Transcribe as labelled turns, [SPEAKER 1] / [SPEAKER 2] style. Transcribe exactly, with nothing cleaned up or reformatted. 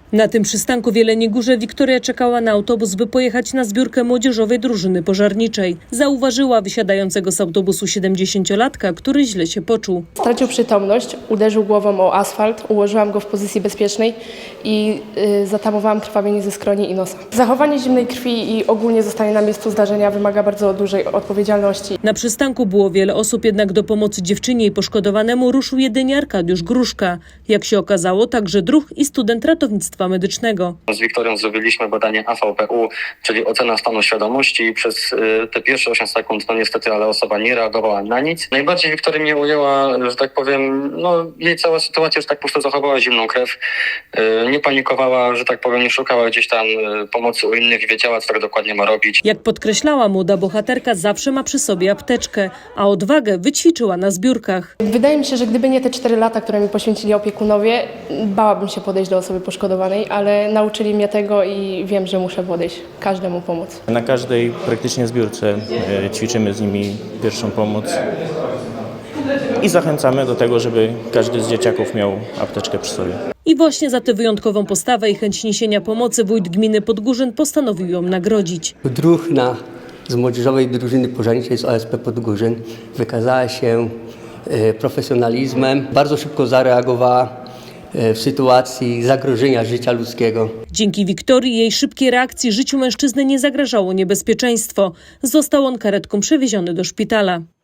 [SPEAKER 1] Na tym przystanku w Jeleniej Górze Wiktoria czekała na autobus, by pojechać na zbiórkę młodzieżowej drużyny pożarniczej. Zauważyła wysiadającego z autobusu siedemdziesięciolatka, który źle się poczuł.
[SPEAKER 2] Stracił przytomność, uderzył głową o asfalt, ułożyłam go w pozycji bezpiecznej i y, zatamowałam krwawienie ze skroni i nosa. Zachowanie zimnej krwi i ogólnie zostanie na miejscu zdarzenia wymaga bardzo dużej odpowiedzialności.
[SPEAKER 1] Na przystanku było wiele osób, jednak do pomocy dziewczynie i poszkodowanemu ruszył jedynie Arkadiusz Gruszka. Jak się okazało, także druh i student ratownictwa medycznego.
[SPEAKER 3] Z Wiktorią zrobiliśmy badanie A V P U, czyli ocena stanu świadomości i przez y, te pierwsze osiem sekund, no niestety, ale osoba nie reagowała na nic. Najbardziej Wiktoria mnie ujęła, że tak powiem, no jej cała sytuacja, że tak po prostu zachowała zimną krew, y, nie panikowała, że tak powiem, nie szukała gdzieś tam y, pomocy u innych i wiedziała, co tak dokładnie ma robić.
[SPEAKER 1] Jak podkreślała młoda bohaterka, zawsze ma przy sobie apteczkę, a odwagę wyćwiczyła na zbiórkach.
[SPEAKER 2] Wydaje mi się, że gdyby nie te cztery lata, które mi poświęcili opiekunowie, bałabym się podejść do osoby poszkodowanej, ale nauczyli mnie tego i wiem, że muszę podejść, każdemu pomóc.
[SPEAKER 4] Na każdej praktycznie zbiórce e, ćwiczymy z nimi pierwszą pomoc i zachęcamy do tego, żeby każdy z dzieciaków miał apteczkę przy sobie.
[SPEAKER 1] I właśnie za tę wyjątkową postawę i chęć niesienia pomocy wójt gminy Podgórzyn postanowił ją nagrodzić.
[SPEAKER 5] Druhna z młodzieżowej drużyny pożarniczej z O S P Podgórzyn wykazała się e, profesjonalizmem, bardzo szybko zareagowała w sytuacji zagrożenia życia ludzkiego.
[SPEAKER 1] Dzięki Wiktorii i jej szybkiej reakcji życiu mężczyzny nie zagrażało niebezpieczeństwo. Został on karetką przewieziony do szpitala.